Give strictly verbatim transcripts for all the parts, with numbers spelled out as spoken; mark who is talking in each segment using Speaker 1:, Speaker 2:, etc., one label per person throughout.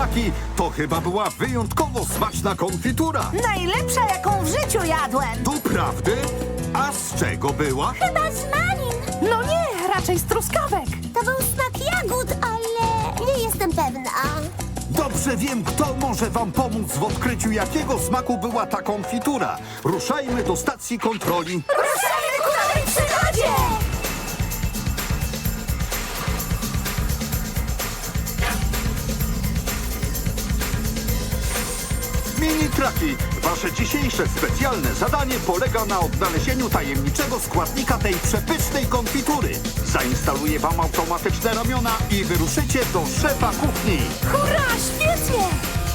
Speaker 1: Traki to chyba była wyjątkowo smaczna konfitura.
Speaker 2: Najlepsza, jaką w życiu jadłem.
Speaker 1: Doprawdy? A z czego była?
Speaker 3: Chyba z malin.
Speaker 2: No nie, raczej z truskawek.
Speaker 3: To był smak jagód, ale nie jestem pewna.
Speaker 1: Dobrze wiem, kto może wam pomóc w odkryciu, jakiego smaku była ta konfitura. Ruszajmy do stacji kontroli.
Speaker 3: Ruszajmy ku nowej przygodzie!
Speaker 1: Mini Traki, wasze dzisiejsze specjalne zadanie polega na odnalezieniu tajemniczego składnika tej przepysznej konfitury. Zainstaluję wam automatyczne ramiona i wyruszycie do szefa kuchni.
Speaker 2: Hurra, świetnie!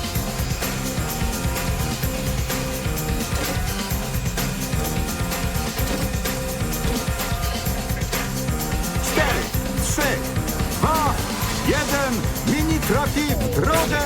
Speaker 1: Cztery, trzy, dwa, jeden. Mini Traki w drogę!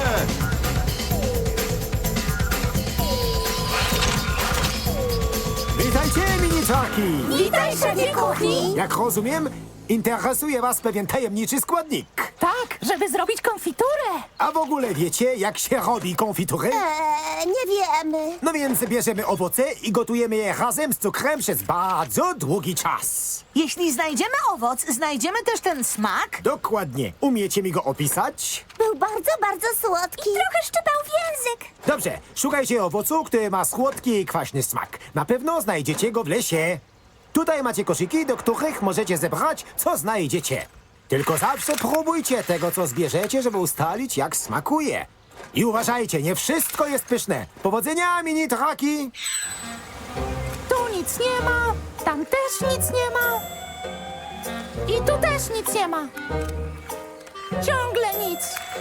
Speaker 4: Witajcie, mini-traki!
Speaker 3: Witaj, szefie kuchni!
Speaker 4: Jak rozumiem, interesuje was pewien tajemniczy składnik.
Speaker 2: Tak, żeby zrobić konfiturę.
Speaker 4: A w ogóle wiecie, jak się robi konfitury?
Speaker 3: Eee, nie wiemy.
Speaker 4: No więc bierzemy owoce i gotujemy je razem z cukrem przez bardzo długi czas.
Speaker 2: Jeśli znajdziemy owoc, znajdziemy też ten smak.
Speaker 4: Dokładnie. Umiecie mi go opisać?
Speaker 3: Był bardzo, bardzo słodki. I trochę szczypał w język.
Speaker 4: Dobrze, szukajcie owocu, który ma słodki i kwaśny smak. Na pewno znajdziecie go w lesie. Tutaj macie koszyki, do których możecie zebrać, co znajdziecie. Tylko zawsze próbujcie tego, co zbierzecie, żeby ustalić, jak smakuje. I uważajcie, nie wszystko jest pyszne. Powodzenia, mini-traki!
Speaker 2: Tu nic nie ma, tam też nic nie ma. I tu też nic nie ma. Ciągle nic.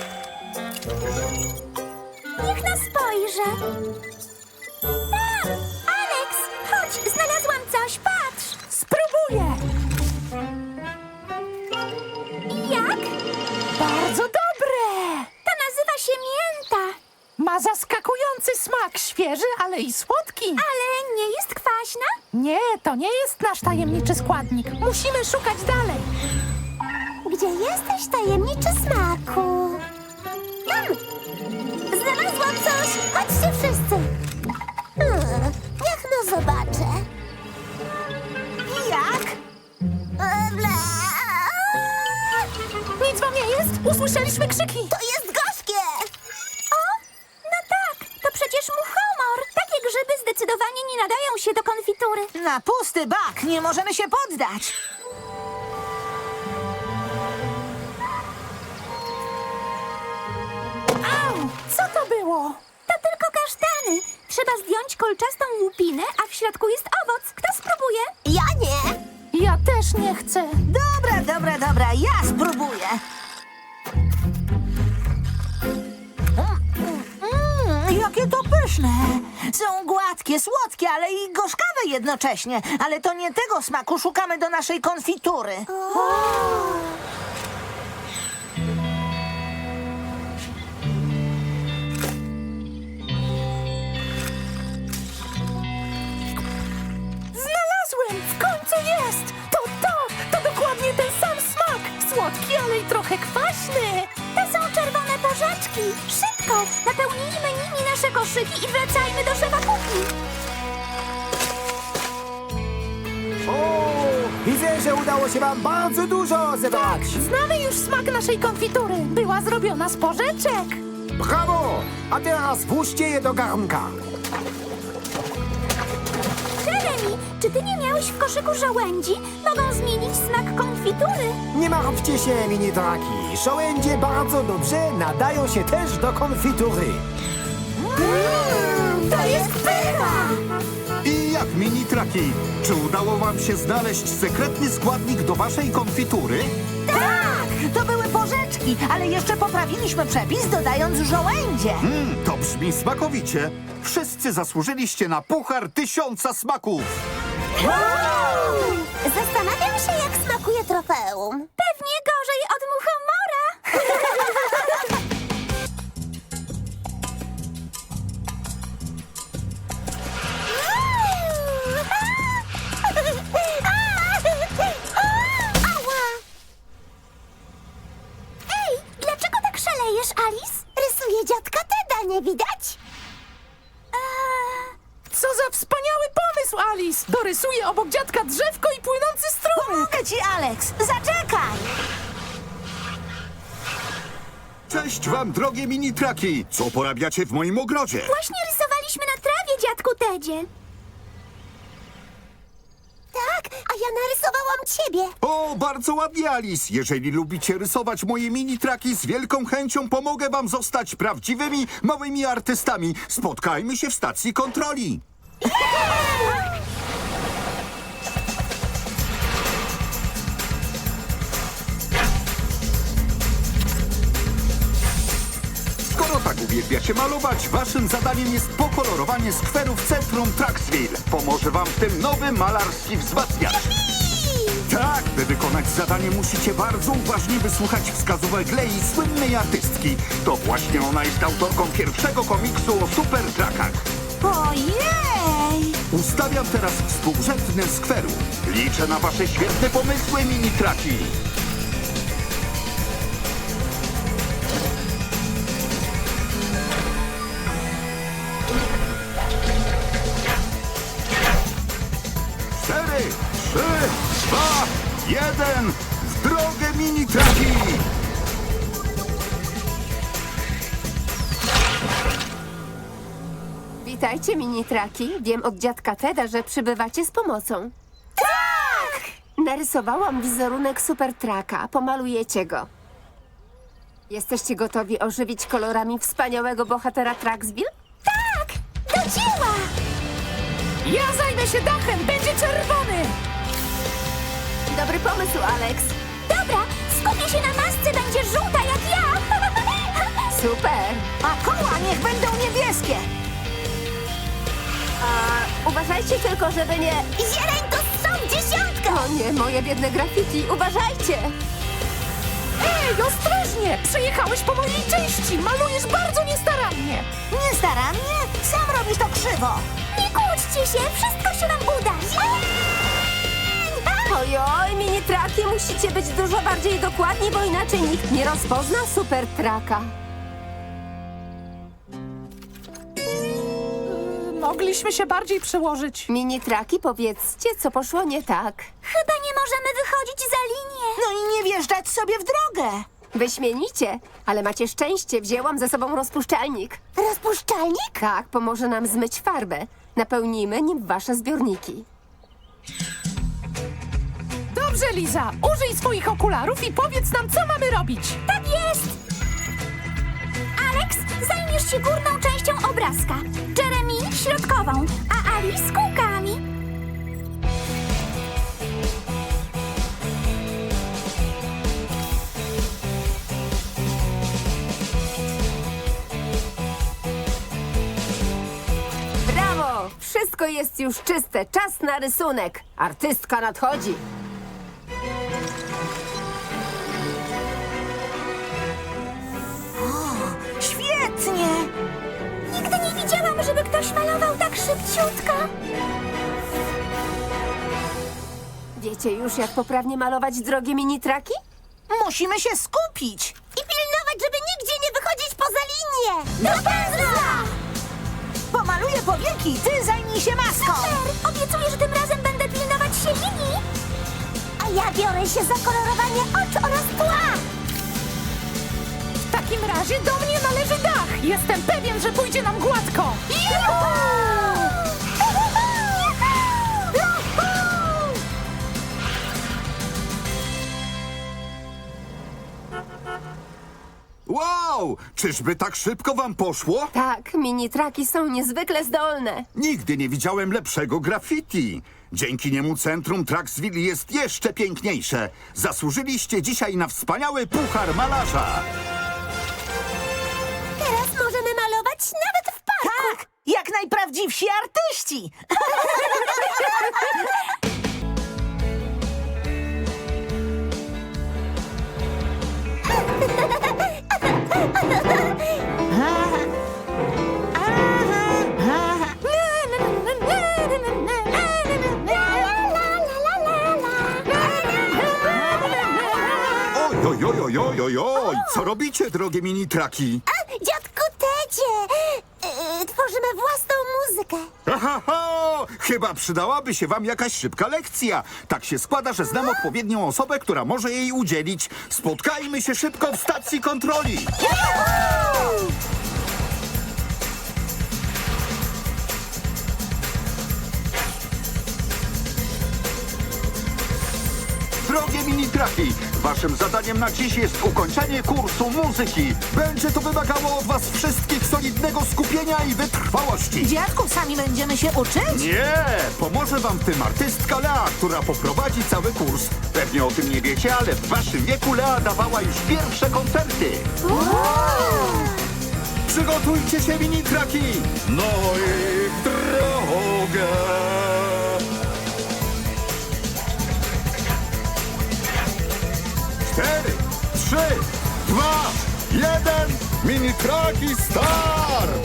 Speaker 3: Niech nas spojrzy. Tam! Alex! Chodź, znalazłam coś, patrz!
Speaker 2: Spróbuję.
Speaker 3: Jak?
Speaker 2: Bardzo dobre.
Speaker 3: To nazywa się mięta.
Speaker 2: Ma zaskakujący smak, świeży, ale i słodki.
Speaker 3: Ale nie jest kwaśna?
Speaker 2: Nie, to nie jest nasz tajemniczy składnik. Musimy szukać dalej.
Speaker 3: Gdzie jesteś, tajemniczy smaku? Tam! Znalazłam coś! Chodźcie wszyscy! Hmm, niech no zobaczę.
Speaker 2: Jak?
Speaker 3: E, ble.
Speaker 2: Nic wam nie jest? Usłyszeliśmy krzyki.
Speaker 3: To jest gorzkie! O, no tak, to przecież muchomor. Takie grzyby zdecydowanie nie nadają się do konfitury.
Speaker 2: Na pusty bak, nie możemy się poddać. Au, co to było?
Speaker 3: To tylko kasztany. Trzeba zdjąć kolczastą łupinę, a w środku jest owoc. Kto spróbuje? Ja nie.
Speaker 2: Ja też nie chcę.
Speaker 5: Dobra, dobra, dobra, ja spróbuję. Mm, jakie to pyszne. Są gładkie, słodkie, ale i gorzkawe jednocześnie. Ale to nie tego smaku szukamy do naszej konfitury.
Speaker 2: Znalazłem! W końcu jest! To to! To dokładnie ten sam smak! Słodki, ale i trochę kwaśny!
Speaker 3: To są czerwone porzeczki. Szybko, napełnijmy nimi nasze koszyki i wracajmy do szefa kuchni.
Speaker 4: O, widzę, że udało się wam bardzo dużo zebrać.
Speaker 2: Znamy już smak naszej konfitury. Była zrobiona z porzeczek.
Speaker 4: Brawo! A teraz włóżcie je do garnka.
Speaker 3: Jeremy, czy ty nie miałeś w koszyku żołędzi? Mogą zmienić smak konfitury.
Speaker 4: Nie martwcie się, mini-traki. Żołędzie bardzo dobrze nadają się też do konfitury.
Speaker 3: Mm, to jest pycha!
Speaker 1: I jak, Mini Traki? Czy udało wam się znaleźć sekretny składnik do waszej konfitury?
Speaker 5: Tak, to były porzeczki, ale jeszcze poprawiliśmy przepis, dodając żołędzie.
Speaker 1: Mm, to brzmi smakowicie. Wszyscy zasłużyliście na puchar tysiąca smaków.
Speaker 3: Zastanawiam się, jak smakuje trofeum. Pewnie gorzej od muchomora. Ała! Ej, dlaczego tak szalejesz, Alice? Rysuję
Speaker 2: obok dziadka drzewko i płynący strumyk.
Speaker 5: Pomogę ci, Alex! Zaczekaj!
Speaker 1: Cześć wam, drogie mini-traki! Co porabiacie w moim ogrodzie?
Speaker 3: Właśnie rysowaliśmy na trawie, dziadku Tedzie. Tak, a ja narysowałam ciebie.
Speaker 1: O, bardzo ładnie, Alice! Jeżeli lubicie rysować moje mini-traki, z wielką chęcią pomogę wam zostać prawdziwymi, małymi artystami. Spotkajmy się w stacji kontroli. Skoro tak uwielbiacie malować, waszym zadaniem jest pokolorowanie skweru w centrum Traxville. Pomoże wam w tym nowy malarski wzmacniacz. Tak, by wykonać zadanie musicie bardzo uważnie wysłuchać wskazówek Lei, słynnej artystki. To właśnie ona jest autorką pierwszego komiksu o supertrakach.
Speaker 5: Ojej!
Speaker 1: Ustawiam teraz współrzędne skweru. Liczę na wasze świetne pomysły, mini-traki. Cztery, trzy, dwa, jeden. W drogę, mini-traki!
Speaker 6: Witajcie, mini-traki. Wiem od dziadka Teda, że przybywacie z pomocą. Tak! Narysowałam wizerunek supertraka. Pomalujecie go. Jesteście gotowi ożywić kolorami wspaniałego bohatera Traxville?
Speaker 3: Tak, do dzieła.
Speaker 2: Ja zajmę się dachem, będzie czerwony.
Speaker 6: Dobry pomysł, Alex.
Speaker 3: Dobra, skupię się na masce, będzie żółta jak ja.
Speaker 6: Super.
Speaker 5: A koła niech będą niebieskie!
Speaker 6: A uważajcie tylko, żeby nie...
Speaker 3: Zieleń to są dziesiątką.
Speaker 6: O nie, moje biedne graffiti. Uważajcie.
Speaker 2: Ej, ostrożnie! Przejechałeś po mojej części! Malujesz bardzo niestarannie!
Speaker 5: Nie starannie? Sam robisz to krzywo!
Speaker 3: Nie kłóćcie się, wszystko się nam uda. Zieleń!
Speaker 6: Ojoj, mini-traki, musicie być dużo bardziej dokładni, bo inaczej nikt nie rozpozna supertraka.
Speaker 2: Mogliśmy się bardziej przełożyć.
Speaker 6: Mini-traki, powiedzcie, co poszło nie tak.
Speaker 3: Chyba nie możemy wychodzić za linię.
Speaker 5: No i nie wjeżdżać sobie w drogę!
Speaker 6: Wyśmienicie, ale macie szczęście, wzięłam ze sobą rozpuszczalnik.
Speaker 3: Rozpuszczalnik?
Speaker 6: Tak, pomoże nam zmyć farbę. Napełnijmy nim wasze zbiorniki.
Speaker 2: Dobrze, Liza, użyj swoich okularów i powiedz nam, co mamy robić.
Speaker 3: Tak jest. Alex, zajmiesz się górną częścią obrazka. Jeremy środkową, a Alice kółkami.
Speaker 6: Brawo! Wszystko jest już czyste. Czas na rysunek. Artystka nadchodzi.
Speaker 5: Świetnie!
Speaker 3: Nigdy nie widziałam, żeby ktoś malował tak szybciutko.
Speaker 6: Wiecie już, jak poprawnie malować drogie mini-traki?
Speaker 5: Musimy się skupić!
Speaker 3: I pilnować, żeby nigdzie nie wychodzić poza linię. Do pędzla!
Speaker 5: Pomaluję powieki, ty zajmij się maską!
Speaker 3: Super! Obiecuję, że tym razem będę pilnować się linii. A ja biorę się za kolorowanie oczu oraz tła.
Speaker 2: W takim razie do mnie należy dach. Jestem pewien, że pójdzie nam gładko.
Speaker 1: Wow! Czyżby tak szybko wam poszło?
Speaker 6: Tak, mini-traki są niezwykle zdolne.
Speaker 1: Nigdy nie widziałem lepszego graffiti. Dzięki niemu centrum Traxville jest jeszcze piękniejsze. Zasłużyliście dzisiaj na wspaniały puchar malarza.
Speaker 3: Teraz możemy malować nawet w parku.
Speaker 5: Tak! Jak najprawdziwsi artyści!
Speaker 1: Oj, oj, oj, oj, oj, oj, oj. Co robicie, drogie mini-traki?
Speaker 3: Dziadku Ted, Słuchajcie, yy, tworzymy własną muzykę.
Speaker 1: Aha, ha! Chyba przydałaby się wam jakaś szybka lekcja. Tak się składa, że znam odpowiednią osobę, która może jej udzielić. Spotkajmy się szybko w stacji kontroli. Drogie mini-traki, waszym zadaniem na dziś jest ukończenie kursu muzyki. Będzie to wymagało od was wszystkich solidnego skupienia i wytrwałości.
Speaker 5: Dziadku, sami będziemy się uczyć?
Speaker 1: Nie, pomoże wam w tym artystka Lea, która poprowadzi cały kurs. Pewnie o tym nie wiecie, ale w waszym wieku Lea dawała już pierwsze koncerty. Przygotujcie się, mini-traki! No i w drogę! Cztery, trzy, dwa, jeden, mini-traki start!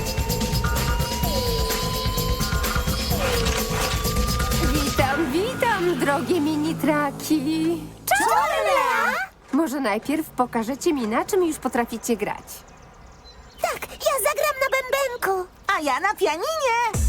Speaker 6: Witam, witam, drogie mini-traki.
Speaker 3: Cześć, Lea!
Speaker 6: Może najpierw pokażecie mi, na czym już potraficie grać.
Speaker 3: Tak, ja zagram na bębenku.
Speaker 5: A ja na pianinie.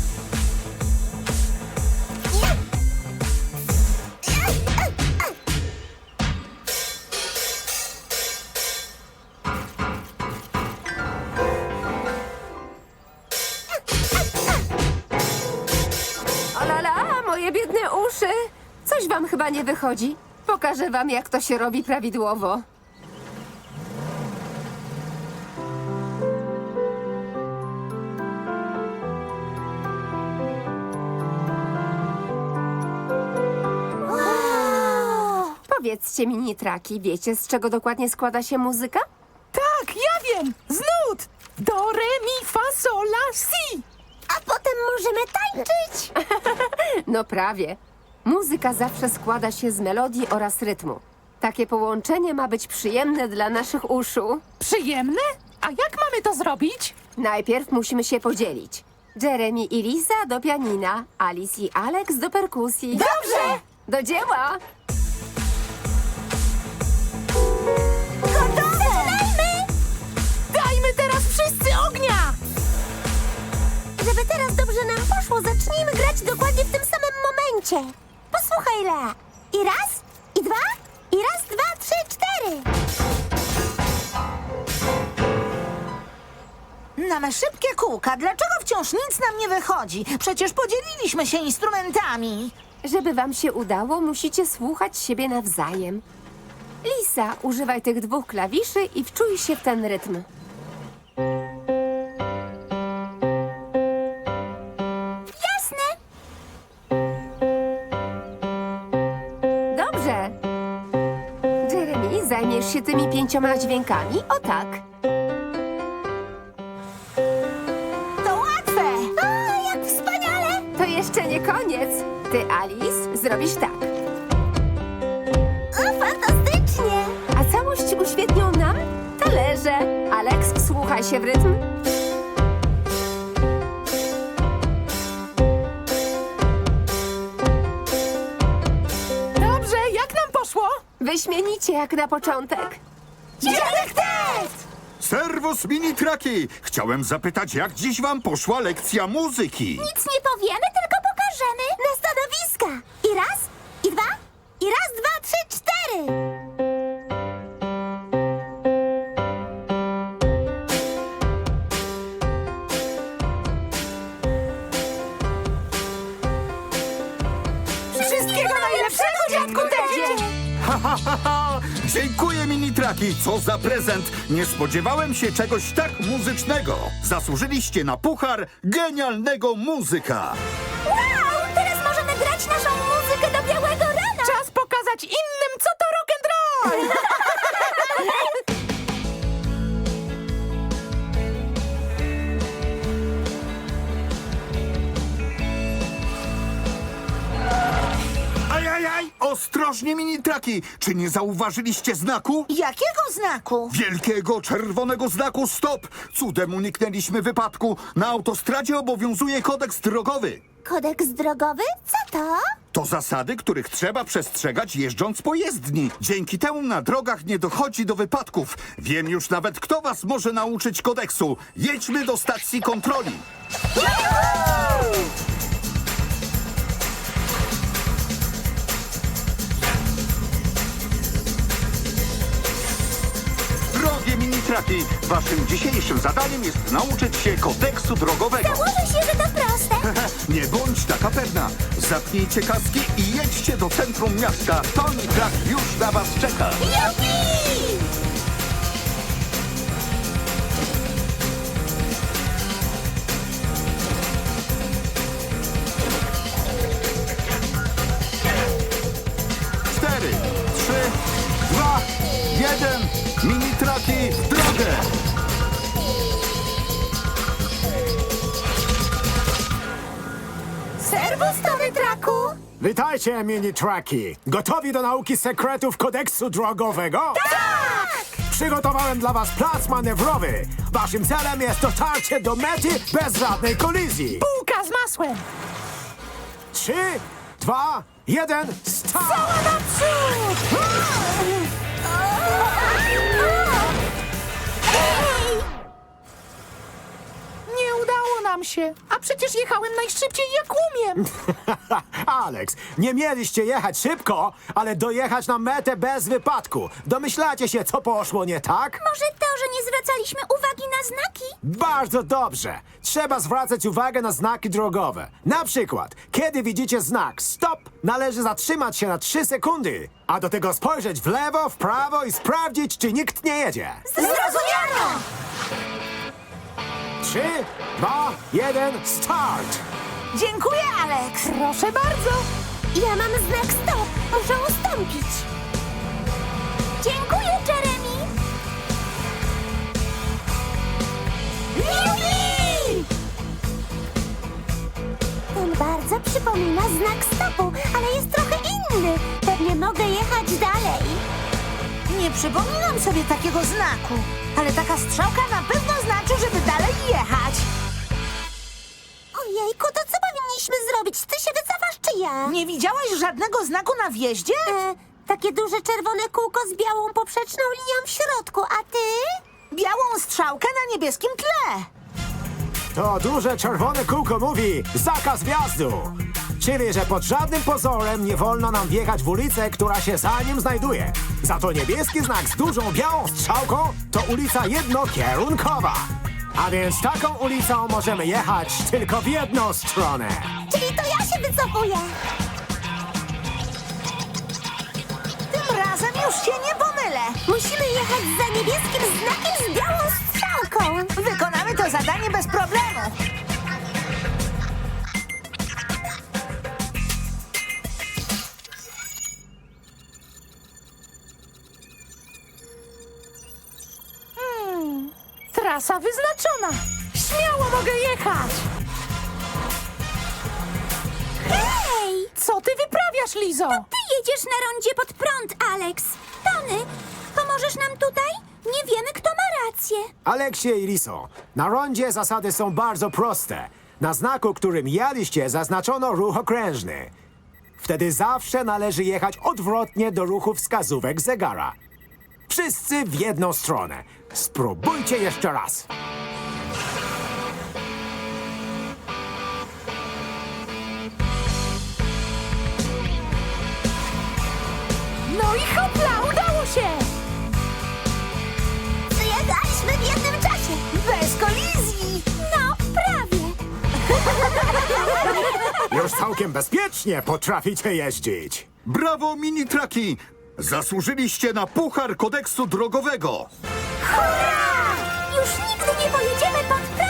Speaker 6: Olala, moje biedne uszy. Coś wam chyba nie wychodzi. Pokażę wam, jak to się robi prawidłowo. Powiedzcie, mini-traki, wiecie, z czego dokładnie składa się muzyka?
Speaker 2: Tak, ja wiem! Z nut! Do, re, mi, fa, sol, la, si!
Speaker 3: A potem możemy tańczyć.
Speaker 6: No prawie. Muzyka zawsze składa się z melodii oraz rytmu. Takie połączenie ma być przyjemne dla naszych uszu.
Speaker 2: Przyjemne? A jak mamy to zrobić?
Speaker 6: Najpierw musimy się podzielić. Jeremy i Lisa do pianina, Alice i Alex do perkusji.
Speaker 3: Dobrze!
Speaker 6: Do dzieła!
Speaker 3: Gotowe! Zaczynajmy!
Speaker 2: Dajmy teraz wszyscy ognia!
Speaker 3: Żeby teraz dobrze nam poszło, zacznijmy grać dokładnie w tym samym momencie. Posłuchaj, Lea. I raz, i dwa, i raz, dwa, trzy, cztery.
Speaker 5: Mamy szybkie kółka. Dlaczego wciąż nic nam nie wychodzi? Przecież podzieliliśmy się instrumentami.
Speaker 6: Żeby wam się udało, musicie słuchać siebie nawzajem. Lisa, używaj tych dwóch klawiszy i wczuj się w ten rytm.
Speaker 3: Jasne.
Speaker 6: Dobrze. Jeremy, zajmiesz się tymi pięcioma dźwiękami? O tak.
Speaker 5: To łatwe.
Speaker 3: O, jak wspaniale!
Speaker 6: To jeszcze nie koniec. Ty, Alice, zrobisz tak.
Speaker 3: O, fantastycznie!
Speaker 6: A całość uświetnią nam talerze. Alex, wsłuchaj się w rytm.
Speaker 2: Dobrze, jak nam poszło?
Speaker 6: Wyśmienicie jak na początek.
Speaker 3: Dziadek też!
Speaker 1: Serwus, mini-traki! Chciałem zapytać, jak dziś wam poszła lekcja muzyki?
Speaker 3: Nic nie powiemy, tylko pokażemy. Na stanowiska. I raz, i dwa, i raz, dwa, trzy, cztery.
Speaker 2: Wszystkiego najlepszego, dziadku Tedzie!
Speaker 1: Ha, ha, ha, ha! Dziękuję, mini-traki! Co za prezent! Nie spodziewałem się czegoś tak muzycznego! Zasłużyliście na puchar genialnego muzyka!
Speaker 3: Wow, teraz możemy grać naszą muzykę do białego rana.
Speaker 2: Czas pokazać innym, co to rock'n'roll!
Speaker 1: Ajajaj! Ostrożnie, mini-traki! Czy nie zauważyliście znaku?
Speaker 5: Jakiego znaku?
Speaker 1: Wielkiego czerwonego znaku stop! Cudem uniknęliśmy wypadku. Na autostradzie obowiązuje kodeks drogowy.
Speaker 3: Kodeks drogowy? Co to?
Speaker 1: To zasady, których trzeba przestrzegać jeżdżąc po jezdni. Dzięki temu na drogach nie dochodzi do wypadków. Wiem już nawet, kto was może nauczyć kodeksu. Jedźmy do stacji kontroli. Drogie mini-traki, waszym dzisiejszym zadaniem jest nauczyć się kodeksu drogowego.
Speaker 3: Założę się, że to proste.
Speaker 1: Nie bądź taka pewna. Zapnijcie kaski i jedźcie do centrum miasta. Tony Trak już na was czeka.
Speaker 3: Jupi!
Speaker 1: Cztery, trzy, dwa, jeden. Mini-traki w drogę.
Speaker 3: Serwus, Tony Traku!
Speaker 4: Witajcie, mini-traki! Gotowi do nauki sekretów kodeksu drogowego?
Speaker 3: Tak!
Speaker 4: Przygotowałem dla was plac manewrowy. Waszym celem jest dotarcie do mety bez żadnej kolizji.
Speaker 2: Bułka z masłem!
Speaker 4: Trzy, dwa, jeden, start!
Speaker 2: Naprzód!
Speaker 3: Ej!
Speaker 2: Nie udało nam się, a przecież jechałem najszybciej jak umiem.
Speaker 4: Alex, nie mieliście jechać szybko, ale dojechać na metę bez wypadku. Domyślacie się, co poszło nie tak?
Speaker 3: Może to, że nie zwracaliśmy uwagi na znaki?
Speaker 4: Bardzo dobrze. Trzeba zwracać uwagę na znaki drogowe. Na przykład, kiedy widzicie znak stop, należy zatrzymać się na trzy sekundy, a do tego spojrzeć w lewo, w prawo i sprawdzić, czy nikt nie jedzie.
Speaker 3: Zrozumiano!
Speaker 4: Trzy, dwa, jeden, start!
Speaker 5: Dziękuję, Alex.
Speaker 2: Proszę bardzo.
Speaker 3: Ja mam znak stop. Muszę ustąpić. Dziękuję, Jeremy. Jupi! Ten bardzo przypomina znak stopu, ale jest trochę inny. Pewnie mogę jechać dalej.
Speaker 5: Nie przypominam sobie takiego znaku, ale taka strzałka na pewno znaczy, żeby dalej jechać.
Speaker 3: Ojejku, to co powinniśmy zrobić? Ty się wycofasz, czy ja?
Speaker 5: Nie widziałaś żadnego znaku na wjeździe?
Speaker 3: E, takie duże czerwone kółko z białą poprzeczną linią w środku, a ty?
Speaker 5: Białą strzałkę na niebieskim tle.
Speaker 4: To duże czerwone kółko mówi zakaz wjazdu. Czyli, że pod żadnym pozorem nie wolno nam wjechać w ulicę, która się za nim znajduje. Za to niebieski znak z dużą białą strzałką to ulica jednokierunkowa. A więc taką ulicą możemy jechać tylko w jedną stronę.
Speaker 3: Czyli to ja się wycofuję.
Speaker 5: Tym razem już się nie pomylę.
Speaker 3: Musimy jechać za niebieskim znakiem z białą strzałką.
Speaker 5: Wykonamy to zadanie bez problemu.
Speaker 2: Trasa wyznaczona. Śmiało mogę jechać.
Speaker 3: Hej!
Speaker 2: Co ty wyprawiasz, Lizo?
Speaker 3: Ty jedziesz na rondzie pod prąd, Alex. Tony, pomożesz nam tutaj? Nie wiemy, kto ma rację.
Speaker 4: Aleksie i Liso, na rondzie zasady są bardzo proste. Na znaku, którym jadliście, zaznaczono ruch okrężny. Wtedy zawsze należy jechać odwrotnie do ruchu wskazówek zegara. Wszyscy w jedną stronę. Spróbujcie jeszcze raz.
Speaker 2: No i hopla, udało się!
Speaker 3: Przyjechaliśmy w jednym czasie.
Speaker 5: Bez kolizji.
Speaker 3: No, prawie.
Speaker 4: Już całkiem bezpiecznie potraficie jeździć.
Speaker 1: Brawo, mini-traki! Zasłużyliście na puchar kodeksu drogowego.
Speaker 3: Hurra! Już nigdy nie pojedziemy pod prąd.